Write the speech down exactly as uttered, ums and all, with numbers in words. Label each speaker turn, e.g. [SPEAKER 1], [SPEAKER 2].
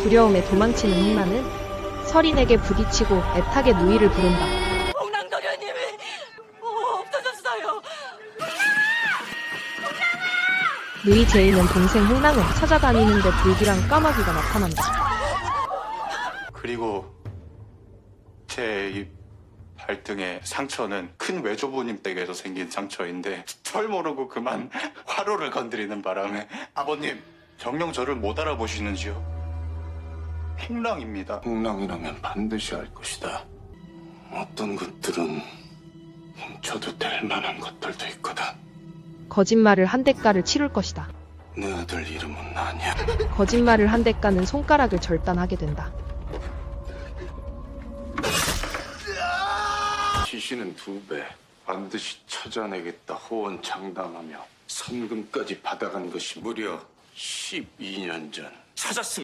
[SPEAKER 1] 두려움에 도망치는 홍나는 서린에게 부딪히고 애타게 누이를 부른다.
[SPEAKER 2] 홍랑도련님이 어, 없어졌어요.
[SPEAKER 1] 누이 제이는 동생 홍랑을 찾아다니는데 불길한 까마귀가 나타난다.
[SPEAKER 3] 그리고 제 이 발등의 상처는 큰 외조부님 댁에서 생긴 상처인데 절 모르고 그만 화로를 건드리는 바람에 아버님 정녕 저를 못 알아보시는지요? 홍랑입니다.
[SPEAKER 4] 홍랑이라면 반드시 알 것이다. 어떤 것들은 훔쳐도 될 만한 것들도 있거든.
[SPEAKER 1] 거짓말을 한 대가를 치룰 것이다.
[SPEAKER 4] 내 아들 이름은 아니야.
[SPEAKER 1] 거짓말을 한 대가는 손가락을 절단하게 된다.
[SPEAKER 4] 시신은 두 배. 반드시 찾아내겠다 호언장담하며 선금까지 받아간 것이 무려 십이 년 전.
[SPEAKER 3] 찾았습니다.